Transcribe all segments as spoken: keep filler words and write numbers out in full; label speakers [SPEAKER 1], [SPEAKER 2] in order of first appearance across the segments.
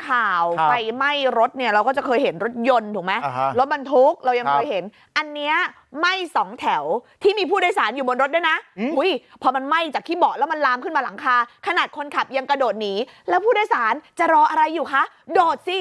[SPEAKER 1] ข่าวไฟไหม้รถเนี่ยเราก็จะเคยเห็นรถยนต์ถูกไหมรถบรรทุกเรายังเคยเห็นอันเนี้ยไหม้สองแถวที่มีผู้โดยสารอยู่บนรถด้วยนะอุ้ยพอมันไหม้จากที่เบาะแล้วมันลามขึ้นมาหลังคาขนาดคนขับยังกระโดดหนีแล้วผู้โดยสารจะรออะไรอยู่คะโดดสิ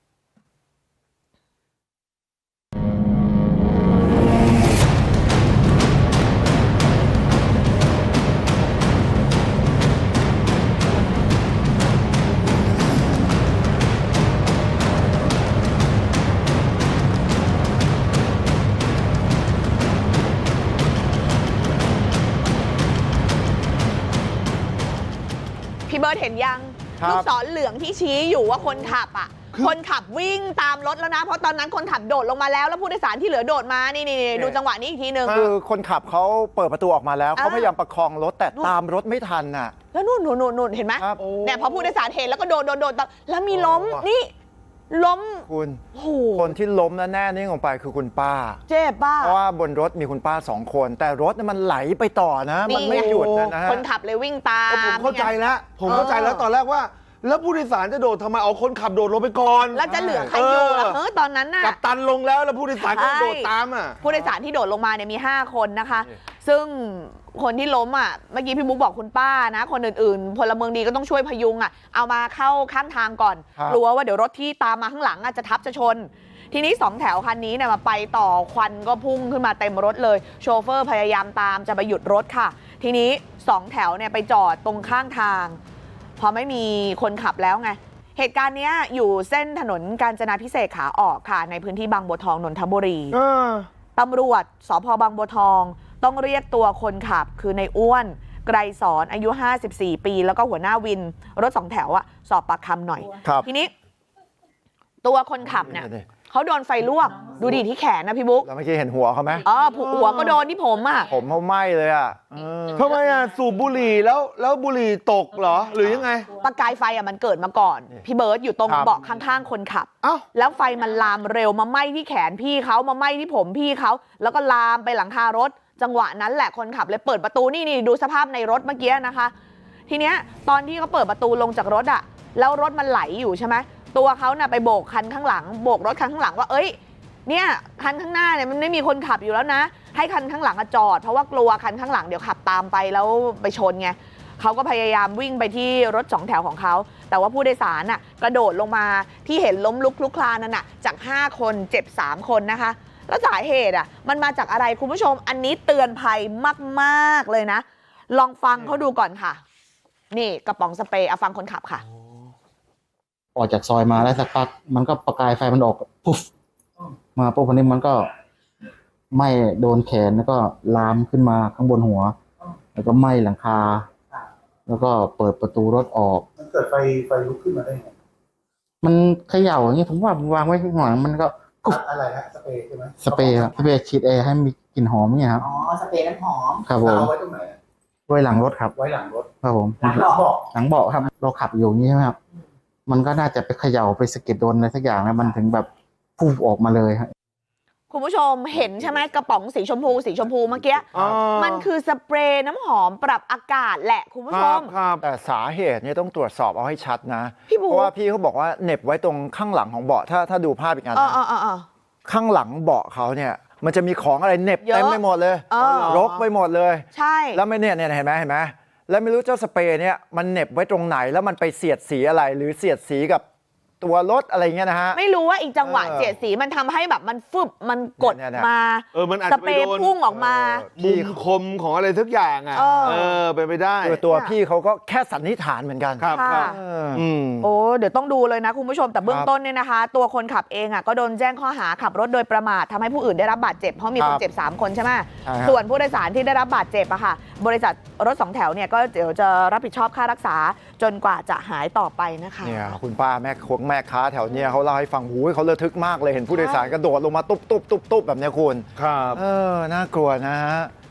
[SPEAKER 1] พี่เบิร์ดเห็นยังลูกศรเหลืองที่ชี้อยู่ว่าคนขับอ่ะคนขับวิ่งตามรถแล้วนะเพราะตอนนั้นคนขับโดดลงมาแล้วแล้วผู้โดยสารที่เหลือโดดมานี่นี่ดูจังหวะนี้อีกทีนึง
[SPEAKER 2] คือคนขับเขาเปิดประตูออกมาแล้วเขาพยายามประคองรถแต่ตามรถไม่ทันน่ะ
[SPEAKER 1] แล้วนู่นนู่นนู่นเห็นไหมเนี่ยพอผู้โดยสารเห็นแล้วก็โดดโดดโดดแล้วมีล้มนี่ล้ม
[SPEAKER 2] คุณคนที่ล้มแล้วแน่นิ่งลงไปคือคุณป้า
[SPEAKER 1] เจ็บป้า
[SPEAKER 2] เพราะว่าบนรถมีคุณป้าสองคนแต่รถมันไหลไปต่อนะมันไม่หยุดนะฮะ
[SPEAKER 1] คนขับเลยวิ่งตาม
[SPEAKER 3] ผมเข้าใจแล้วผมเข้าใจแล้วตอนแรกว่าแล้วผู้โดยสารจะโดดทำไมเอาคนขับโดดลงไปก่อน
[SPEAKER 1] แล้วจะเหลือใครอยู่ล่ะเออตอนนั้นน่ะ
[SPEAKER 3] กัปตันลงแล้วแล้วผู้โดยสารก็โดดตามอ่ะ
[SPEAKER 1] ผู้โดยสารที่โดดลงมาเนี่ยมีห้าคนนะคะซึ่งคนที่ล้มอ่ะเมื่อกี้พี่บุ๊กบอกคุณป้านะคนอื่นๆพลเมืองดีก็ต้องช่วยพยุงอ่ะเอามาเข้าข้างทางก่อนกลัวว่าเดี๋ยวรถที่ตามมาข้างหลังอ่ะจะทับจะชนทีนี้สองแถวคันนี้เนี่ยมาไปต่อควันก็พุ่งขึ้นมาเต็มรถเลยโชเฟอร์พยายามตามจะไปหยุดรถค่ะทีนี้สองแถวเนี่ยไปจอดตรงข้างทางพอไม่มีคนขับแล้วไงเหตุการณ์นี้อยู่เส้นถนนกาญจนาภิเษกขาออกค่ะในพื้นที่บางบัวทองนนทบุรีตำรวจสภ.บางบัวทองต้องเรียกตัวคนขับคือในอ้วนไกรสอนอายุห้าสิบสี่ปีแล้วก็หัวหน้าวินรถสองแถวอะสอบปากคำหน่อยทีนี้ตัวคนขับเนี่ยเขาโดนไฟลวกดูดิที่แขนนะพี่บุ๊ก
[SPEAKER 2] แล้วเมื่อกี้เห็นหัวเขาไหม
[SPEAKER 1] อ๋อหัวก็โดนที่ผมอ่ะ
[SPEAKER 2] ผมเขาไหม้เลยอ่ะ
[SPEAKER 3] ทำไมอ่ะสูบบุหรี่แล้วแล้วบุหรี่ตกเหรอหรือยังไง
[SPEAKER 1] ประกายไฟอ่ะมันเกิดมาก่อนพี่เบิร์ตอยู่ตรงเบาะข้างๆคนขับอ้าวแล้วไฟมันลามเร็วมาไหม้ที่แขนพี่เขามาไหม้ที่ผมพี่เขาแล้วก็ลามไปหลังคารถจังหวะนั้นแหละคนขับเลยเปิดประตูนี่นี่ดูสภาพในรถเมื่อกี้นะคะทีเนี้ยตอนที่เขาเปิดประตูลงจากรถอ่ะแล้วรถมันไหลอยู่ใช่ไหมตัวเขาน่ะไปโบกคันข้างหลังโบกรถคันข้างหลังว่าเอ้ยเนี่ยคันข้างหน้าเนี่ยมันไม่มีคนขับอยู่แล้วนะให้คันข้างหลังจอดเพราะว่ากลัวคันข้างหลังเดี๋ยวขับตามไปแล้วไปชนไงเขาก็พยายามวิ่งไปที่รถสองแถวของเขาแต่ว่าผู้โดยสารน่ะกระโดดลงมาที่เห็นล้มลุกคลุกคลานนั่นน่ะจากห้าคนเจ็บสามคนนะคะแล้วสาเหตุอ่ะมันมาจากอะไรคุณผู้ชมอันนี้เตือนภัยมากๆเลยนะลองฟังเขาดูก่อนค่ะนี่กระป๋องสเปรย์เอาฟังคนขับค่ะ
[SPEAKER 4] ออกจากซอยมาได้สักพักมันก็ประกายไฟมันออกปุ๊บมาปุ๊บคนนี้มันก็ไหม้โดนแขนแล้วก็ลามขึ้นมาข้างบนหัวแล้วก็ไหม้หลังคาแล้วก็เปิดประตูรถออก
[SPEAKER 5] มันเกิดไฟไฟลุกขึ้นมาได้ไง
[SPEAKER 4] มันเขย่าอย่างนี้ผมว่าวางไว้ข้างหลังมันก็
[SPEAKER 5] อะไรฮะสเปรย์ใช่ไหม
[SPEAKER 4] สเปรย์ครับสเปรย์ฉีดแอร์ให้มีกลิ่นหอมเนี่ยครับ
[SPEAKER 5] อ๋อสเปรย์น้ำหอม
[SPEAKER 4] ครับผม
[SPEAKER 5] เอาไว้ตรงไหน
[SPEAKER 4] ไว้หลังรถครับ
[SPEAKER 5] ไว้หลังรถ
[SPEAKER 4] ครับผม
[SPEAKER 5] หลังเบาะ
[SPEAKER 4] หลังเบาะครับเราขับอยู่อย่างนี้ใช่ไหมครับมันก็น่าจะไปเขย่าไปสะเก็ดโดนอะไรสักอย่างแล้วมันถึงแบบพุ่งออกมาเลยครับ
[SPEAKER 1] คุณผู้ชมเห็นใช่ไหมกระป๋องสีชมพูสีชมพูเมื่อกี้มันคือสเปรย์น้ำหอมปรับอากาศแหละคุณผู้ชม
[SPEAKER 2] แต่สาเหตุเนี่ยต้องตรวจสอบเอาให้ชัดนะเพราะว่าพี่เขาบอกว่าเหน็บไว้ตรงข้างหลังของเบาะถ้าถ้าดูภาพอีกอันนะข้างหลังเบาะเขาเนี่ยมันจะมีของอะไรเหน็บเต็มไปหมดเลยรกไปหมดเลย
[SPEAKER 1] ใช่
[SPEAKER 2] แล้วไม่เนี่ยเนี่ยเห็นไหมเห็นไหมแล้วไม่รู้เจ้าสเปรย์เนี่ยมันเหน็บไว้ตรงไหนแล้วมันไปเสียดสีอะไรหรือเสียดสีกับตัวรถอะไรเงี้ยนะฮะ
[SPEAKER 1] ไม่รู้ว่าอีกจังหวะเสียดสีมันทำให้แบบมันฟึบมันกดมา
[SPEAKER 3] เออมันอาจ
[SPEAKER 1] จะ
[SPEAKER 3] ไปโดน
[SPEAKER 1] พุ่งออกมา
[SPEAKER 3] มุมคมของอะไรทุกอย่างอ่ะเออเป็นไปได้
[SPEAKER 2] ตัวพี่เขาก็แค่สันนิษฐานเหมือนกัน
[SPEAKER 3] ครับ
[SPEAKER 1] โอ้เดี๋ยวต้องดูเลยนะคุณผู้ชมแต่เบื้องต้นเนี่ยนะคะตัวคนขับเองอ่ะก็โดนแจ้งข้อหาขับรถโดยประมาททำให้ผู้อื่นได้รับบาดเจ็บเพราะมีคนเจ็บสามคนใช่ไหมส่วนผู้โดยสารที่ได้รับบาดเจ็บอะค่ะบริษัทรถสองแถวเนี่ยก็เดี๋ยวจะรับผิดชอบค่ารักษาจนกว่าจะหายต่อไปนะคะ
[SPEAKER 2] เนี่ยคุณป้าแม่คงแม่ค้าแถวนี้เขาเล่าให้ฟังหูยเขาระทึกมากเลยเห็นผู้โดยสารกระโดดลงมาตุ๊บตุ๊บตุ๊บตุ๊บแบบนี้คุณ
[SPEAKER 3] ครับ
[SPEAKER 2] เออน่ากลัวนะฮะ